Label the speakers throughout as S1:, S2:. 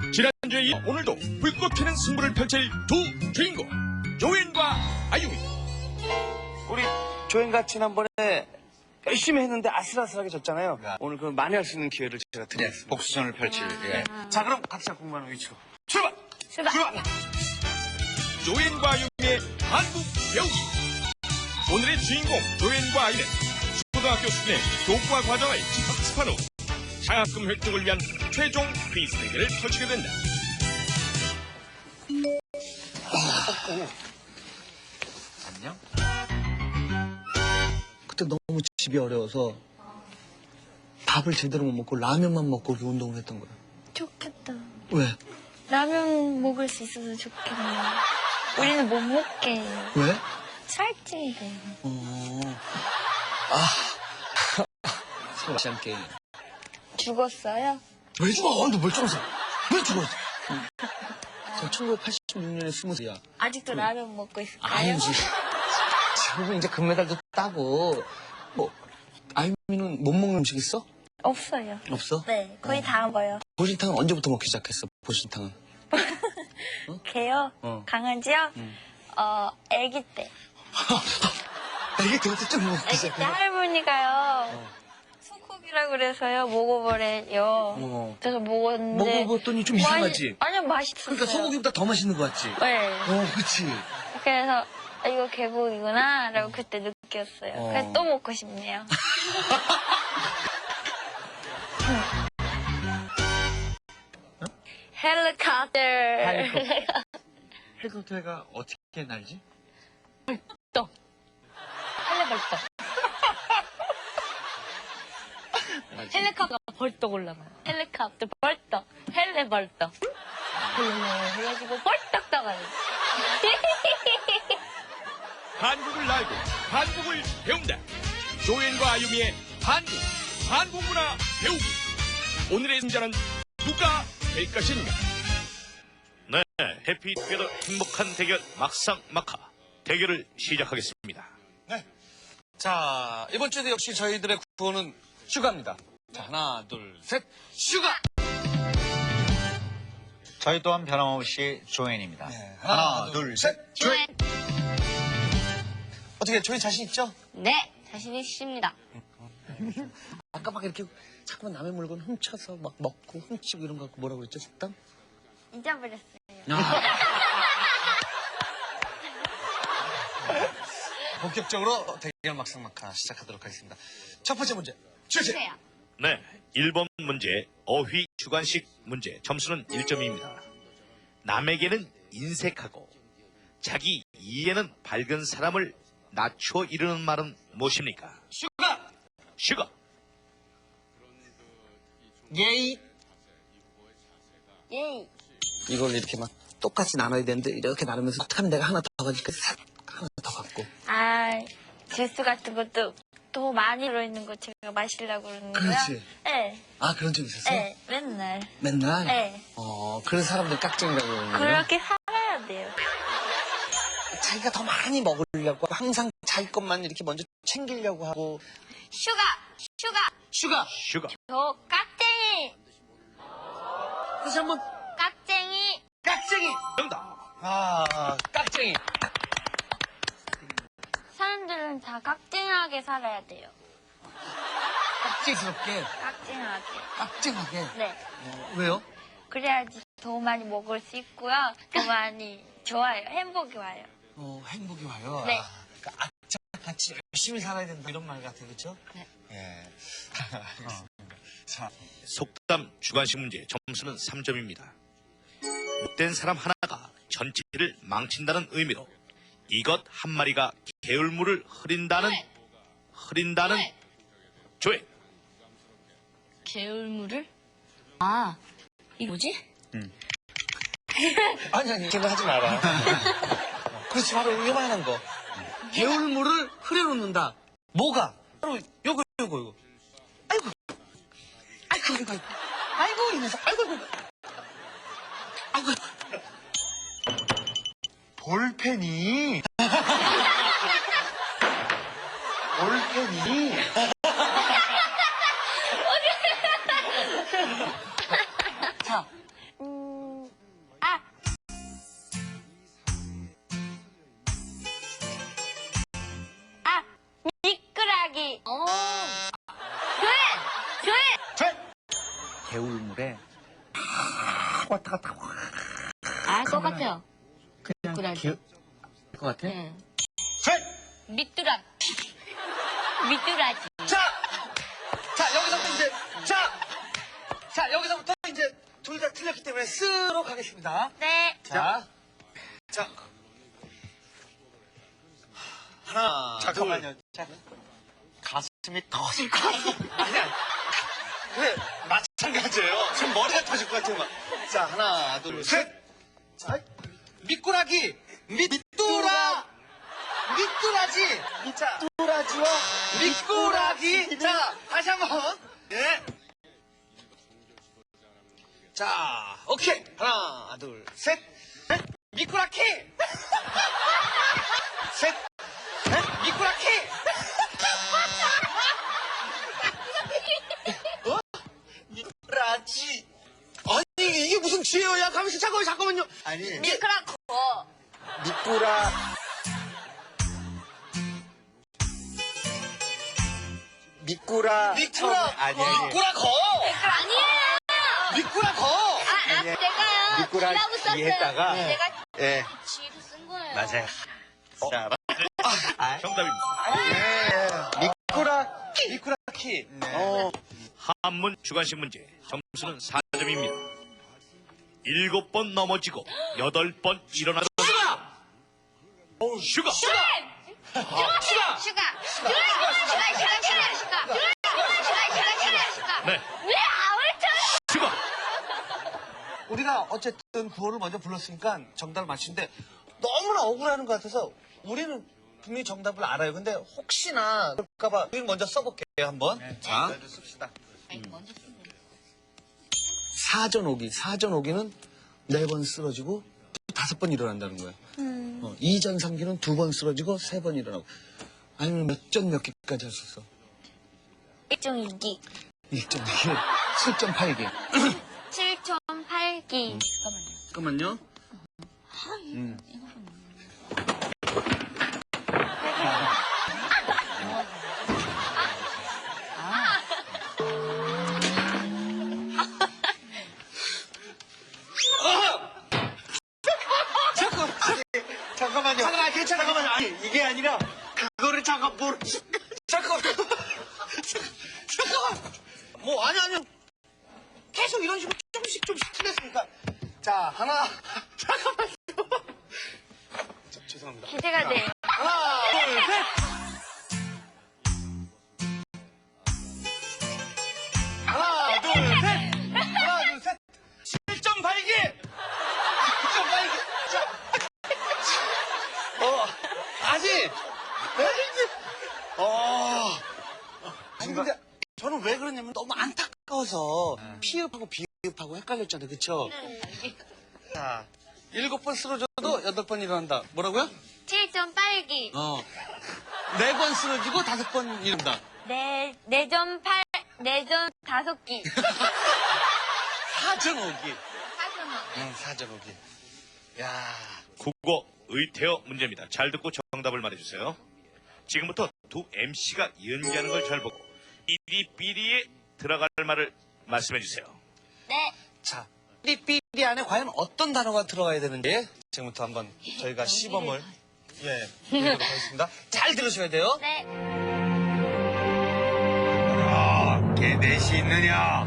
S1: 지난주에 이어 오늘도 불꽃 튀는 승부를 펼칠 두 주인공 조앤과 아유미.
S2: 우리 조앤가 지난번에 열심히 했는데 아슬아슬하게 졌잖아요. 오늘 그 만회할 수 있는 기회를 제가 드리겠습니다.
S3: 복수전을 펼칠. 예.
S2: 자, 그럼 각자 공부하는 위치로 출발!
S1: 조앤과 아유미의 한국 배우기. 오늘의 주인공 조앤과 아이는 초등학교 수준의 교과 과정을 집합습한 후 장학금 획득을 위한 최종 퀴즈 대결을 펼치게 된다.
S3: 안녕?
S4: 그때 너무 집이 어려워서 밥을 제대로 못 먹고 라면만 먹고 이렇게 운동을 했던 거야.
S5: 좋겠다.
S4: 왜?
S5: 라면 먹을 수 있어서 좋겠네. 우리는 못 먹게 해요.
S4: 왜?
S5: 살찌게.
S4: 서로 아시안 게임.
S5: 죽었어요?
S4: 왜 죽어? 너 멀쩡해서. 왜 죽어? 저 1986년에 20살이야.
S5: 아직도 라면 먹고 있을까요?
S4: 아니지. 지금 이제 금메달도 따고. 뭐, 아유미는 못 먹는 음식 있어?
S5: 없어요.
S4: 없어?
S5: 네, 거의 다 먹어요.
S4: 보신탕은 언제부터 먹기 시작했어? 보신탕은?
S5: 개요? 강아지요? 아기 때.
S4: 이게 되게 좀 먹기
S5: 아기 때
S4: 시작해.
S5: 할머니가요. 소고기라 그래서요. 먹어보래요. 그래서 먹었는데.
S4: 먹어봤더니 좀 이상하지?
S5: 아니요, 맛있었어요.
S4: 그러니까 소고기보다 더 맛있는 거 같지?
S5: 네.
S4: 그치.
S5: 그래서 아, 이거 개고기구나 라고 그때 느꼈어요. 그래서 또 먹고 싶네요. 헬리콥터.
S3: 헬리콥터가 어떻게 날지?
S5: 벌떡. 헬리벌떡. 헬리콥터가 벌떡 올라가요. 헬리콥터 벌떡. 헬리벌떡. 해가지고 벌떡 떠가요.
S1: 한국을 알고 한국을 배운다. 조앤과 아유미의 한국 문화 배우기. 오늘의 승자는 누가 될 것인가?
S6: 네, 해피투게더 행복한 대결 막상막하 대결을 시작하겠습니다.
S4: 네. 자, 이번 주에도 역시 저희들의 구호는 슈가입니다. 자, 하나, 둘, 셋, 슈가!
S3: 저희 또한 변함없이 조앤입니다.
S4: 네, 하나, 둘, 셋, 조앤! 어떻게, 조앤 자신 있죠?
S5: 네, 자신 있습니다.
S4: 아까 막 이렇게 자꾸만 남의 물건 훔쳐서 막 먹고 훔치고 이런 거 갖고 뭐라고 그랬죠, 식당?
S5: 잊어버렸어요.
S4: 본격적으로 대결 막상막하 시작하도록 하겠습니다. 첫 번째 문제, 주세요.
S6: 네, 1번 문제 어휘 주관식 문제 점수는 1점입니다. 남에게는 인색하고 자기 이에는 밝은 사람을 낮춰 이르는 말은 무엇입니까? 슈가.
S4: 예이.
S5: 예이.
S4: 이걸 이렇게 막 똑같이 나눠야 되는데 이렇게 나누면서 어떻게 하면 내가 하나 더 가지고 하나 더 갖고.
S5: 아, 주스 같은 것도 더 많이 들어있는 거 제가 마시려고 그러는데요.
S4: 그렇지.
S5: 네.
S4: 아, 그런 적 있었어?
S5: 네, 맨날.
S4: 맨날?
S5: 네.
S4: 그런 사람들 깍쟁이라고 그러는 거야?
S5: 그렇게 살아야 돼요.
S4: 자기가 더 많이 먹으려고 항상 자기 것만 이렇게 먼저 챙기려고 하고.
S5: 슈가.
S4: 슈가.
S5: 저 깍쟁이.
S4: 다시 한번.
S5: 깍쟁이.
S6: 정답.
S4: 깍쟁이.
S5: 사람들은 다 깍쟁하게 살아야 돼요.
S4: 깍쟁스럽게.
S5: 깍쟁하게. 네.
S4: 왜요?
S5: 그래야지 더 많이 먹을 수 있고요. 더 많이 좋아요. 행복이 와요.
S4: 행복이 와요.
S5: 네.
S4: 그러니까 같이 열심히 살아야 된다 이런 말 같아요, 그렇죠?
S5: 네.
S4: 예. 자,
S6: 속담 주관식 문제 점수는 3점입니다. 못된 사람 하나가 전체를 망친다는 의미로 이것 한 마리가 게을물을 흐린다는 조앤.
S5: 게을물을? 아, 이게 뭐지?
S4: 아니, 걔는 하지 마라. 그렇지, 바로 요만한 거. 게을물을 흐려놓는다. 뭐가? 바로 요거. 아이고, 이 녀석. 아이고. 볼펜이. 자. 개울물에
S5: 알 것 같아요.
S4: 그냥
S5: 미꾸라지.
S4: 것 같아?
S5: 응.
S4: 셋!
S5: 미뚜라. 미뚜라지.
S4: 자, 여기서부터 이제, 여기서부터 이제 둘 다 틀렸기 때문에 쓰로 가겠습니다.
S5: 네.
S4: 자, 하나,
S3: 잠깐만요.
S4: 자,
S3: 가슴이 터질 것 같아.
S4: 아니야. 그래, 마찬가지예요. 지금 머리가 터질 것 같아요. 막. 자, 하나, 둘, 셋. 자, 미꾸라기, 미뚜라, 미꾸라지, 미꾸라지와 미꾸라기. 자, 다시 한 번. 예. 자, 오케이. 하나, 둘, 셋. 넷. 미꾸라키. 셋. 넷. 미꾸라키. 미꾸라지. 아니, 이게 무슨 지혜야? 야, 가만있어. 잠깐만요. 아니,
S5: 미꾸라코.
S4: 미꾸라. 미꾸라. 미꾸라거.
S5: 아니에요.
S4: 미꾸라거.
S5: 제가요.
S3: 미꾸라지
S5: 지라고 썼어요.
S3: 했다가.
S5: 제가
S3: 예,
S5: 지로 쓴 거예요.
S3: 맞아요. 자,
S6: 정답입니다.
S4: 미꾸라키.
S6: 한문 주관식 문제 점수는 4점입니다. 7번 넘어지고 8번 일어나던 슈가
S5: 슈가.
S6: 네 슈가
S4: 우리가 어쨌든 구호를 먼저 불렀으니까 정답을 맞추는데 너무나 억울하는 것 같아서 우리는 분명히 정답을 알아요. 근데 혹시나 그럴까봐 우리 먼저 써볼게요, 한번. 자,
S3: 씁시다.
S4: 사전 오기. 사전 오기는 4번 쓰러지고 5번 일어난다는 거야. 이전 삼기는 2번 쓰러지고 3번 일어나고. 아니면 몇 전 몇 개까지 할 수 있어?
S5: 1.2기.
S4: 1.2기, 7.8기.
S5: 7.8기. 잠깐만요.
S4: 잠깐만요. 잠깐만요. 잠깐만요. 아니, 이게 아니라, 그거를 잠깐 모르시. 잠깐만. 뭐, 아니. 계속 이런 식으로 조금씩 틀렸으니까. 자, 하나. 잠깐만요. 죄송합니다.
S5: 기대가 돼.
S4: 하나, 둘, 셋. 하나, 둘, 셋. 하나, 둘, 셋. 7.8기. 7.8기. 자. 아직. 아니, 근데 저는 왜 그러냐면 너무 안타까워서 피읍하고 비읍하고 헷갈렸잖아요. 그쵸? 자, 7번 쓰러져도 8번 일어난다. 뭐라고요?
S5: 7.8기.
S4: 4번 쓰러지고 5번 일어난다.
S5: 4점 5기.
S4: 사전 오기.
S5: 사전어.
S4: 사전 오기. 야,
S6: 국어 의태어 문제입니다. 잘 듣고 정답을 말해주세요. 지금부터 두 MC가 연기하는 걸 잘 보고 삐리삐리에 들어갈 말을 말씀해주세요.
S5: 네.
S4: 자, 삐리삐리 안에 과연 어떤 단어가 들어가야 되는지 지금부터 한번 저희가 시범을 해보도록 하겠습니다. 잘 들으셔야 돼요.
S5: 네.
S3: 걔 넷이 있느냐?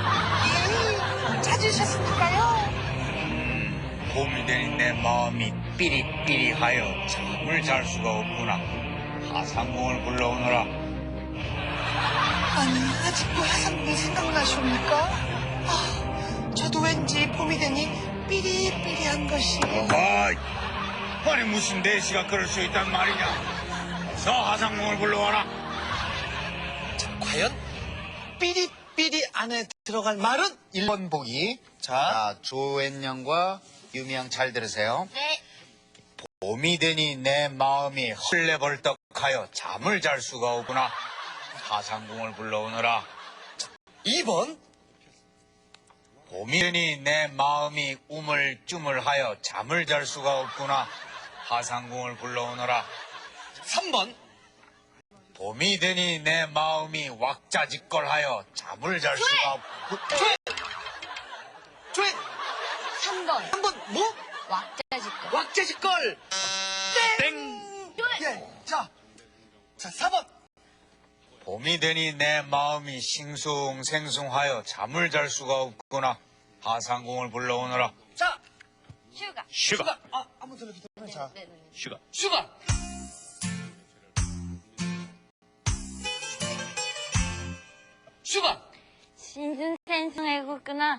S5: 찾으셨을까요?
S3: 봄이 되는 내 마음이 삐리삐리하여 잠을 잘 수가 없구나. 하상궁을 불러오너라.
S7: 아니, 아직도 하상궁이 생각나십니까? 저도 왠지 봄이 되니 삐리삐리한 것이.
S3: 아니 무슨 내시가 그럴 수 있단 말이냐? 저 하상궁을 불러와라.
S4: 과연 삐리삐리 안에 들어갈 말은 1번 보기. 자,
S3: 조앤양과 유미양 잘 들으세요.
S5: 네.
S3: 봄이 되니 내 마음이 헐레벌떡하여 잠을 잘 수가 없구나. 하상궁을 불러오너라.
S4: 2번.
S3: 봄이 되니 내 마음이 우물쭈물하여 잠을 잘 수가 없구나. 하상궁을 불러오너라.
S4: 3번.
S3: 봄이 되니 내 마음이 왁자지껄하여 잠을 잘 수가 없고.
S4: 조회
S5: 3번.
S4: 3번 뭐?
S5: 왁자지껄.
S4: 왁자지껄.
S6: 땡!
S4: 예. 자 4번.
S3: 봄이 되니 내 마음이 싱숭생숭하여 잠을 잘 수가 없구나. 하상궁을 불러오너라.
S4: 자
S5: 슈가.
S6: 슈가!
S4: 한번 들려주세요. 자
S5: 네네네.
S6: 슈가!
S4: 슈가. 슈가.
S5: 신순생숭해구나.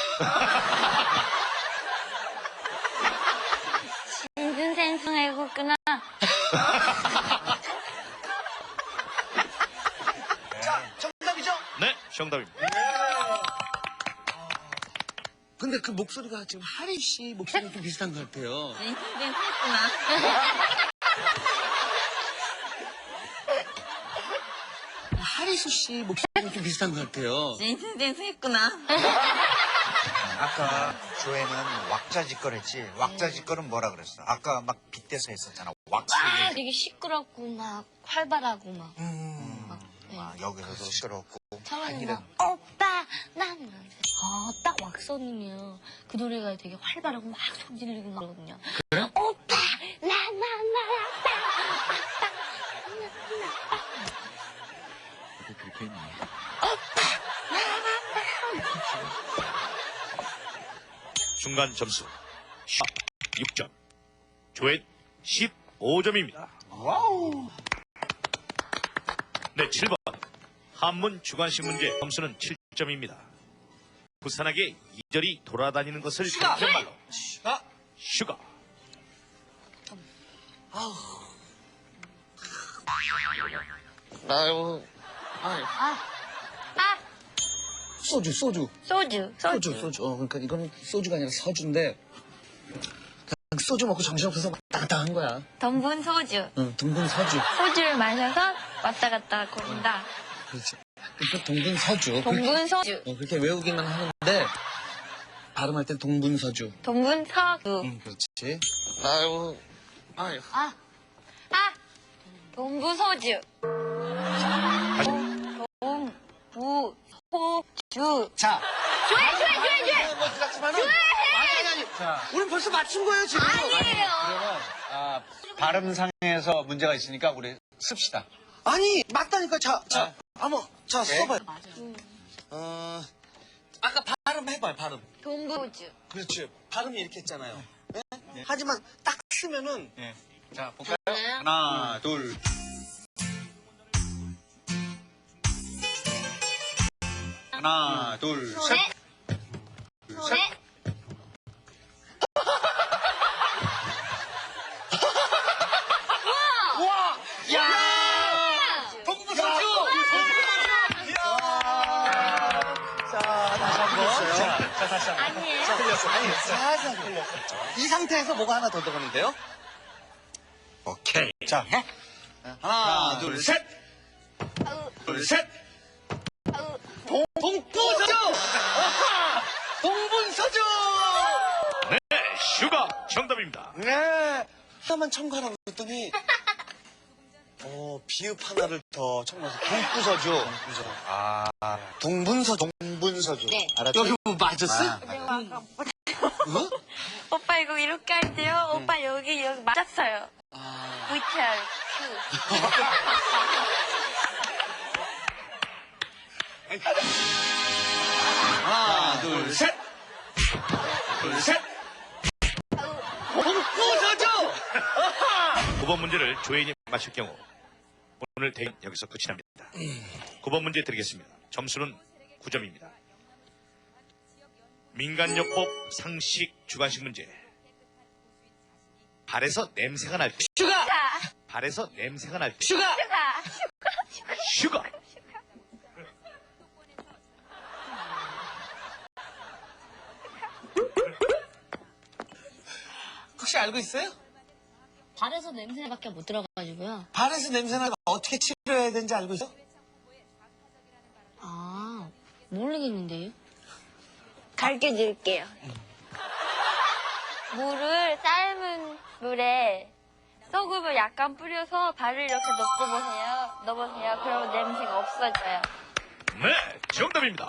S5: 신순생숭해구나.
S4: 자 정답이죠?
S6: 네, 정답입니다.
S4: 근데 그 목소리가 지금 하리 씨 목소리랑 좀 비슷한 것 같아요.
S5: 신순생숭했구나.
S4: 하리수 씨 목소리랑 좀 비슷한 것 같아요.
S5: 신순생숭했구나.
S8: 아까 조회는 왁자지껄했지. 왁자지껄은 뭐라 그랬어? 아까 막 빗대서 했었잖아. 왁자.
S5: 되게 시끄럽고 막 활발하고 막.
S8: 여기서도 시끄럽고.
S5: 처음에는 막 오빠 난 딱 왁서님이에요. 그 노래가 되게 활발하고 막 소리 지르고 그러거든요. 그래? 오빠 라라라라빠
S6: 그렇게 했네. 순간 점수 6점, 조회 15점입니다. 와우. 네, 7번 한문 주관식 문제 점수는 7점입니다. 부산하게 이절이 돌아다니는 것을 가리키는 말로
S4: 슈가.
S6: 슈가.
S4: 아유. 소주.
S5: 소주.
S4: 그러니까 이거는 소주가 아니라 서주인데 그냥 소주 먹고 정신없어서 왔다 갔다 한 거야.
S5: 덤분 소주.
S4: 응, 둥근 서주.
S5: 소주를 마셔서 왔다 갔다 거린다.
S4: 그렇지. 그러니까 동분 서주.
S5: 동분 소주.
S4: 그렇게 외우기만 하는데 발음할 땐 동분 서주.
S5: 동분 서주.
S4: 응, 그렇지. 아유.
S5: 동부 소주. 동부 소주.
S4: 자.
S5: 조회.
S4: 멋지지만은 아니. 자, 우린 벌써 맞춘 거예요 지금.
S5: 아니에요.
S8: 그러면 발음상에서 문제가 있으니까 우리 씁시다.
S4: 아니 맞다니까. 자, 한번 자
S8: 네.
S4: 써봐요. 아까 발음 해봐요 발음.
S5: 동부 소주.
S4: 그렇지. 발음이 이렇게 했잖아요. 네? 하지만 딱 쓰면은
S8: 네. 자, 볼까요? 하나, 둘. 하나, 둘, 셋.
S5: 소래.
S4: 우와! 야! 동부 서주! 자, 다시 한 번. 자, 다시 한 번.
S5: 아니에요.
S4: 틀렸어. 아니, 살살 틀렸어. 이 상태에서 뭐가 하나 더 들어가는데요?
S8: 오케이. 자,
S4: 하나, 둘, 셋!
S8: 둘, 셋.
S4: 동부서주! 동분서주!
S6: 네, 슈가 정답입니다.
S4: 네. 하나만 첨가하라고 했더니, 비읍 하나를 더 첨가해서 동부서주. 동분서주.
S8: 동분서주.
S5: 네.
S8: 알았지?
S4: 여기 뭐 맞았어?
S5: 오빠 이거 이렇게 할 때요. 오빠 여기 맞았어요. VTR 큐.
S4: 하나, 둘, 셋! 둘, 셋! 동부서주!
S6: 9번 문제를 조혜인이 맞힐 경우 오늘 대결 여기서 끝이 납니다. 9번 문제 드리겠습니다. 점수는 9점입니다. 민간요법 상식 주관식 문제. 발에서 냄새가 날 때.
S4: 슈가!
S6: 발에서 냄새가 날 때.
S4: 슈가!
S6: 슈가.
S4: 혹시 알고 있어요?
S5: 발에서 냄새밖에 못 들어가지고요.
S4: 발에서 냄새나면 어떻게 치료해야 되는지 알고 있어?
S5: 모르겠는데요. 가르쳐 줄게요. 물을 삶은 물에 소금을 약간 뿌려서 발을 이렇게 넣고 보세요. 넣어보세요. 그러면 냄새가 없어져요.
S6: 네, 정답입니다.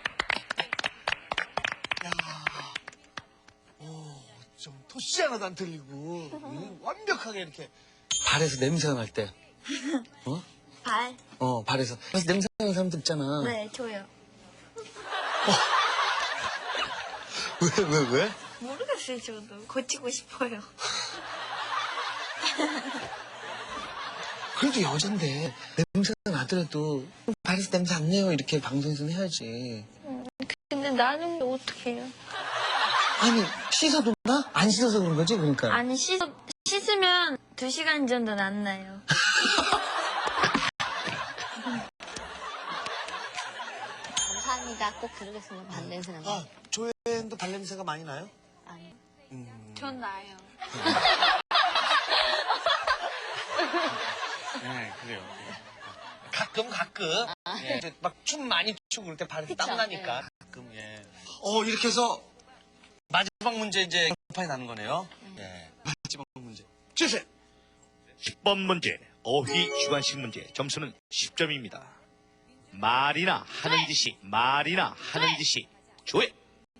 S4: 좀 토시 하나도 안 틀리고 완벽하게 이렇게 발에서 냄새가 날 때.
S5: 발?
S4: 발에서. 그래서 냄새 나는 사람들 있잖아.
S5: 네, 줘요.
S4: 왜?
S5: 모르겠어요, 저도. 고치고 싶어요.
S4: 그래도 여잔데 냄새가 나더라도 발에서 냄새 안 내요 이렇게 방송에서는 해야지.
S5: 근데 나는 어떻게 해요?
S4: 아니 씻어도 나? 안 씻어서 그런 거지 그러니까.
S5: 아니, 씻으면 2시간 정도는 안 나요.
S9: 감사합니다. 꼭 들으겠습니다. 발냄새 나는 거.
S4: 조연도 발냄새가 많이 나요?
S9: 아니요.
S5: 전 나요.
S2: 네, 그래요.
S4: 가끔. 예. 막 춤 많이 추고 그럴 때 발에서 땀 나니까. 가끔 예. 이렇게 해서 마지막 문제 이제 판이 나는 거네요. 예. 마지막 문제. 주세요.
S6: 10번 문제, 어휘 주관식 문제. 점수는 10점입니다. 말이나 하는 짓이, 조회.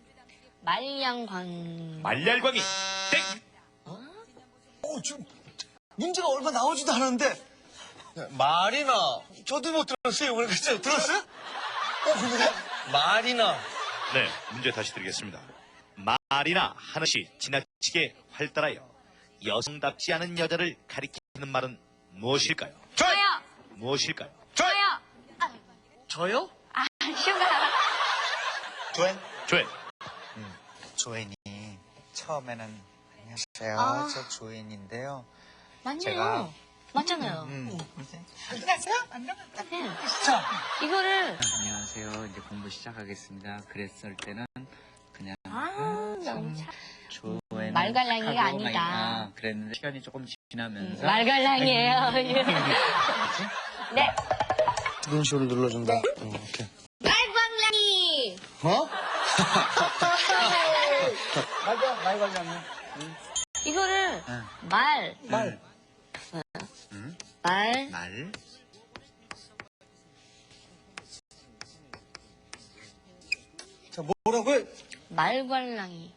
S9: 말량광.
S6: 말랄광이, 땡!
S4: 지금 문제가 얼마 나오지도 않았는데 말이나 저도 못 들었어요. 오늘 그죠? 들었어요? 근데 말이나
S6: 네, 문제 다시 드리겠습니다. 말이나 하는 짓이 지나치게 활달하여 여성답지 않은 여자를 가리키는 말은 무엇일까요?
S5: 저요!
S6: 무엇일까요?
S5: 저요!
S4: 저요?
S5: 슈가.
S8: 조엔?
S6: 조회.
S8: 조엔이 처음에는 안녕하세요. 저 조엔인데요.
S9: 맞네요.
S8: 제가
S9: 맞잖아요.
S7: 안녕하세요. 안녕하세요.
S4: 자,
S9: 이거를.
S10: 안녕하세요. 이제 공부 시작하겠습니다. 그랬을 때는 그냥
S9: 너무 참.
S10: 조에는
S9: 말갈량이가
S10: 하고
S9: 아니다.
S10: 막 그랬는데 시간이 조금 지나면서
S9: 말갈량이에요. 네.
S4: 이런 식으로 눌러준다. 이렇게.
S9: 말갈량이. 이거를 말.
S10: 말.
S4: 자, 뭐라고요?
S9: 말갈량이.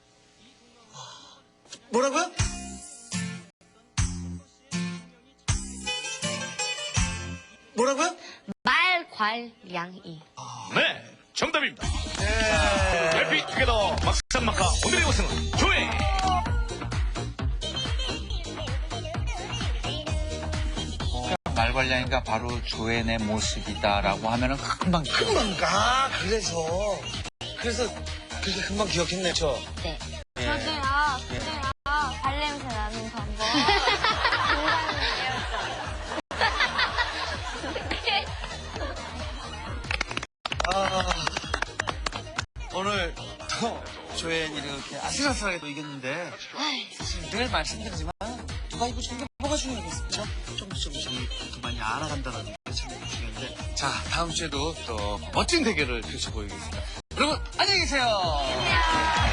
S4: 뭐라고요? 뭐라고요?
S9: 말괄량이.
S6: 네, 정답입니다. 해피 투게더 막상막하 오늘의 우승은 조회.
S10: 말괄량이가 바로 조엔의 모습이다라고 하면은 금방
S4: 그래서 그렇게 금방 기억했네, 저.
S9: 네.
S5: 저도요. 발냄새 나는 방법.
S4: 오늘 또 조연이를 이렇게 아슬아슬하게 또 이겼는데 사실 늘 말씀드리지만 누가 이기고 게 뭐가 중요하겠습니까? 조금씩 더 많이 알아간다는 게 참 중요한데 자, 다음 주에도 또 멋진 대결을 펼쳐보이겠습니다. 여러분 안녕히 계세요.